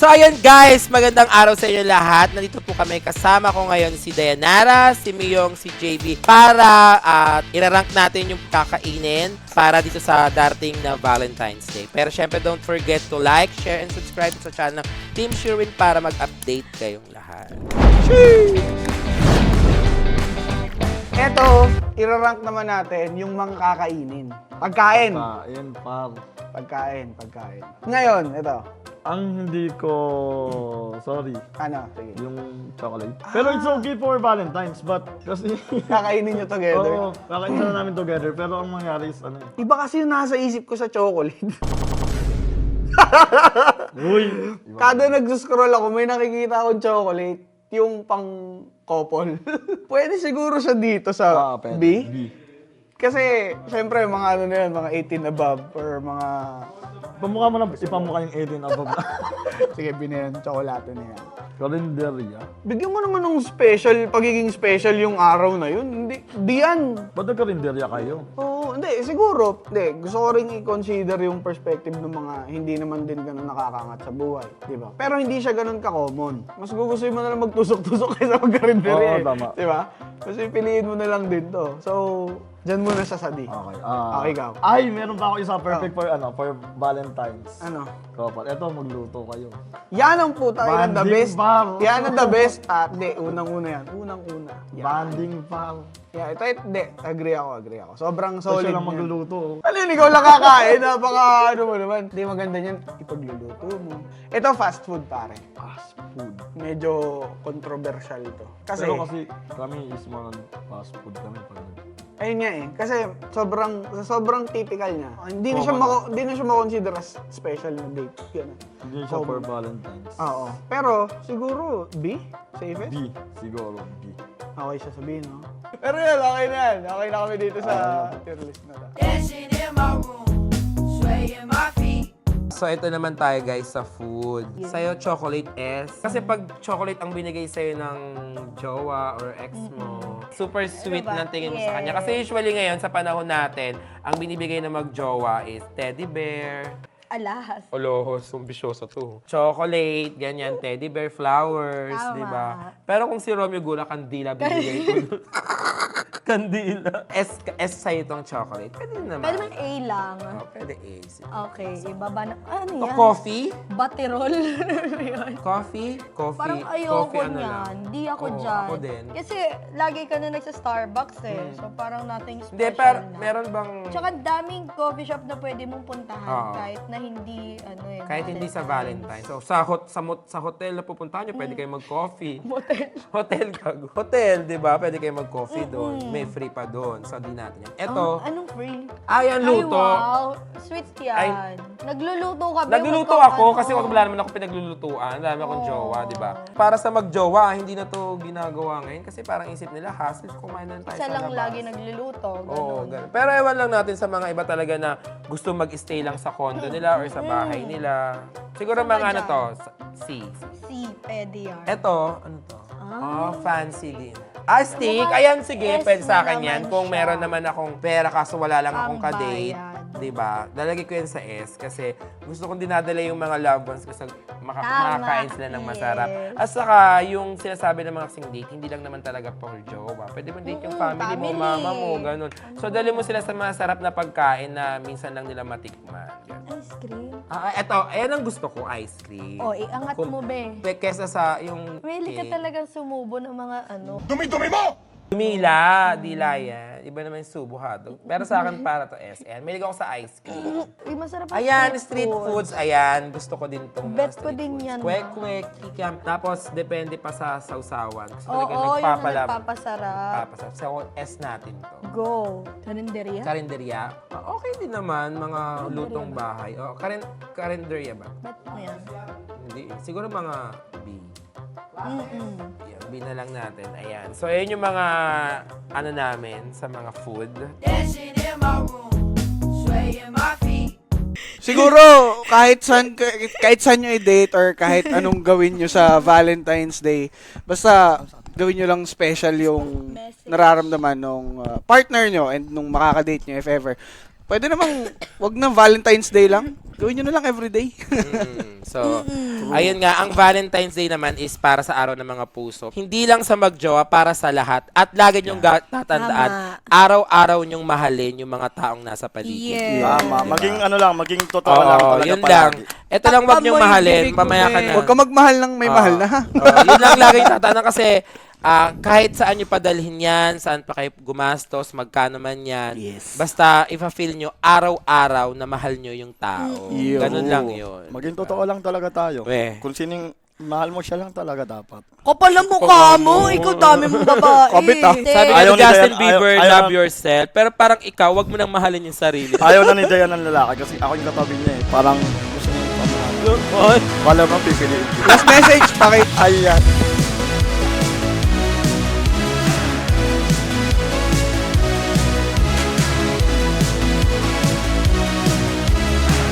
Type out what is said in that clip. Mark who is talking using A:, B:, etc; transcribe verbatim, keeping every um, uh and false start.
A: So ayun guys, magandang araw sa inyo lahat. Nandito po kami, kasama ko ngayon si Dayanara, si Miyong, si J B para at uh, irarank natin yung kakainin para dito sa darating na Valentine's Day. Pero syempre don't forget to like, share, and subscribe sa channel ng Team Sherwin para mag-update kayong lahat.
B: Eto, irarank naman natin yung mga kakainin. Pagkain.
C: Pagkain, par.
B: Pagkain, pagkain. Ngayon, ito.
C: Ang hindi ko, sorry,
B: Ano? Sige.
C: yung chocolate. Pero it's okay for Valentine's, but kasi,
B: Kakainin nyo together.
C: oo, kakain na namin together, pero ang mangyari is ano,
B: Iba kasi yung nasa isip ko sa chocolate.
C: uy,
B: Kada nag-scroll ako, may nakikita akong chocolate. Yung pang couple. Pwede siguro siya dito sa
C: ah, pwede.
B: B.
C: B.
B: Kasi, syempre, mga ano na yan, mga eighteen above or mga...
C: Pamukha mo na, ipamukha yung eighteen above.
B: Sige, binayan, tsokolate na yan.
C: Kalendarya.
B: Bigyan mo naman ng special, pagiging special yung araw na yun. Hindi, di yan.
C: Ba't nagkalendarya kayo?
B: Oo, hindi, siguro. Hindi, gusto ko rin i-consider yung perspective ng mga hindi naman din ganun nakakangat sa buhay. Di ba? Pero hindi siya ganun ka-common. Mas gugustuhin mo na lang magtusok-tusok kaysa magkarinderya.
C: Oo,
B: eh.
C: tama.
B: Di ba? Mas pipiliin mo na lang din to. So, dyan muna sa sadi.
C: Okay. Ah,
B: Okay, ikaw.
C: Ay, meron pa ako isa perfect for ano, for Valentine's.
B: Ano?
C: Couple. Eto, magluto kayo.
B: Yan ang puta, yan ang the
C: Banding
B: best.
C: bar.
B: Yan ang the best. Ah, hindi, unang-una yan. Unang-una. Yan.
C: Banding par.
B: Yeah, ito, ito, hindi. Agree ako, agree ako. Sobrang
C: So,
B: solid
C: siya lang
B: niyan.
C: magluluto.
B: Ano yun, ikaw lang kakain, napaka ano mo naman. Hindi maganda niyan, ipagluluto mo. Ito, fast food pare.
C: Fast food.
B: Medyo controversial to. Kasi,
C: Pero kasi kami is more on fast food kami pag
B: ayun nga eh. Kasi sobrang, sobrang typical niya. Hindi na siya,
C: Oo.
B: mako, hindi na siya makonsider as special na date. Ganun.
C: hindi siya for
B: Common.
C: Valentine's.
B: Oo. Pero, siguro, B? Safest?
C: B. Siguro, B.
B: Okay siya sabihin, no? Pero yan, okay na yan. Okay na kami dito sa tier list na to.
D: Dancing in my room, swaying my feet.
A: So ito naman tayo guys sa food. Sa'yo, chocolate S. Kasi pag chocolate ang binigay sa'yo ng jowa or ex mo, super sweet
E: ba?
A: ng tingin mo sa
E: Yes.
A: kanya. Kasi usually ngayon, sa panahon natin, ang binibigay ng mag-jowa is teddy bear,
E: Alas.
A: Olohos, sumbisyoso to. Chocolate, ganyan, teddy bear, flowers,
E: Tama.
A: di ba? Pero kung si Romeo Gula, kandila binigay ko. Kandila. S, S sa'yo itong chocolate. Pwede naman.
E: Pwede man A lang.
A: Oh, pwede A. Sige.
E: Okay, ibaba na. Ano
A: To
E: yan?
A: coffee?
E: Baterol. Yun.
A: Coffee? Coffee?
E: Parang ayoko
A: coffee, ano
E: niyan.
A: lang.
E: Di ako
A: Oo,
E: dyan.
A: Ako din.
E: Kasi lagi ka na nagsa-Starbucks eh. So parang nothing special
A: Hindi, pero
E: na.
A: meron bang...
E: Tsaka daming coffee shop na pwede mong puntahan
A: Oo.
E: kahit na hindi ano eh.
A: Kahit hindi sa Valentine's. So, sa hot sa, mot, sa hotel na pupuntahan nyo, pwede kayo mag-coffee.
E: Motel.
A: Hotel gago. Hotel, di ba? Pwede kayo mag-coffee doon. May free pa doon. So, di natin yan. Eto,
E: Ang- anong free?
A: ay, ang luto.
E: Ay, wow. Sweet yan.
A: Ay.
E: Nagluluto ka ba?
A: Nagluluto
E: Huwag
A: ako
E: kang
A: kasi
E: ano.
A: wag wala naman ako pinaglulutuan. Dami akong
E: Oo.
A: jowa, di ba? Para sa magjowa, hindi na to ginagawa ngayon kasi parang isip nila, hassle, kumain na lang tayo
E: Isa
A: sa
E: lang
A: labas.
E: lagi nagluluto.
A: Oo,
E: Ganun.
A: ganun. Pero ewan lang natin sa mga iba talaga na gusto mag-stay lang sa condo nila or sa bahay nila. Siguro
E: Saan
A: mga
E: ka
A: ano
E: dyan?
A: to, C.
E: Si, pwede yan.
A: Eto, ano to?
E: Ah.
A: Oh, fancy din. Ah, steak.
E: Mukhang
A: Ayan, sige,
E: S
A: pwede sa
E: na
A: akin yan.
E: naman
A: Kung
E: siya.
A: meron naman akong pera kaso wala lang akong kadate.
E: Pambayad.
A: Diba? Lalagay ko yan sa S kasi gusto kong dinadala yung mga loved ones ko sa maka-
E: Tama.
A: makakain sila ng masarap.
E: Yes.
A: At saka, yung sinasabi ng mga kasing date, hindi lang naman talaga for jowa. Pwede mo date yung
E: Mm,
A: family, mo,
E: family.
A: mama mo, ganun. So, dali mo sila sa masarap na pagkain na minsan lang nila matikman. Ganun.
E: Ice cream.
A: Ah, eto, ayan ang gusto ko, ice cream.
E: O, iangat
A: Kung-
E: mo, be.
A: Kesa sa yung
E: Really ka
A: cake.
E: talagang sumubo ng mga ano.
A: Dumila, dila yan. Iba naman yung subo hotdog. Pero sa akin para to S N. May ako sa ice cream.
E: Uy, masarap ang
A: Ayan, street foods. Ayan, gusto ko din itong
E: Bet
A: mga
E: ko
A: street
E: din
A: foods.
E: yan,
A: Kwek,
E: ma.
A: kwek, kikam. Tapos, depende pa sa sausawan. Gusto
E: Oo,
A: talaga
E: yung
A: nagpapalab.
E: nagpapasarap.
A: Papasarap. So, S natin to.
E: Go. Karinderya?
A: Karinderya. Ah, okay din naman, mga lutong bahay. Oh, karin karinderya ba?
E: Bet mo yan.
A: Hindi. eh. Siguro mga B.
E: Mm-mm.
A: Yan, B na lang natin. Ayan. So, ayun yung mga ano namin sa mga food.
D: Dancing in my room, swaying my feet.
B: Siguro, kahit saan, kahit saan nyo i-date or kahit anong gawin nyo sa Valentine's Day, basta gawin nyo lang special yung
E: Message.
B: nararamdaman ng partner nyo and nung makakadate nyo if ever. Pwede namang, wag na Valentine's Day lang.
F: Gawin nyo na lang everyday.
A: Mm, so, ayun nga, ang Valentine's Day naman is para sa araw ng mga puso. Hindi lang sa magjowa, para sa lahat. At lagi nyong ga- tatandaan,
G: Tama.
A: araw-araw nyong mahalin yung mga taong nasa paligid.
G: Yes.
C: Tama. Maging ano lang, maging totoo
A: Oo,
C: lang talaga
A: yun
C: palagi.
A: lang. Ito lang wag
G: Takpan
A: nyong
G: mo yung
A: mahalin,
G: bibig mo,
A: mamaya ka
G: eh.
A: na.
F: Huwag ka magmahal ng may
A: Oo.
F: mahal na ha.
A: Oo, yun lang lagi yung tatandaan kasi ah, kahit saan nyo padalhin yan, saan pa kayo gumastos, magkano man yan,
F: Yes.
A: basta ipa-feel nyo araw-araw na mahal nyo yung tao.
F: Yun.
A: Ganun lang yun.
C: Maging totoo lang talaga tayo.
A: Eh.
C: Kung sining mahal mo siya lang talaga dapat.
G: Kapal ang mukha mo. Ikaw dami mong babae.
F: Kabit, ah.
A: Sabi nga
C: Ayaw
A: ni
C: ni
A: Justin
C: Dayan-
A: Bieber,
C: ayaw- ayaw-
A: love yourself. Pero parang ikaw, wag mo nang mahalin yung sarili.
C: Ayaw na ni Dayan ng lalaki kasi ako yung katabi niya eh. Parang gusto niya yung pamahal. Wala mo pipiliin.
F: Last message, pakit.
C: Ayan.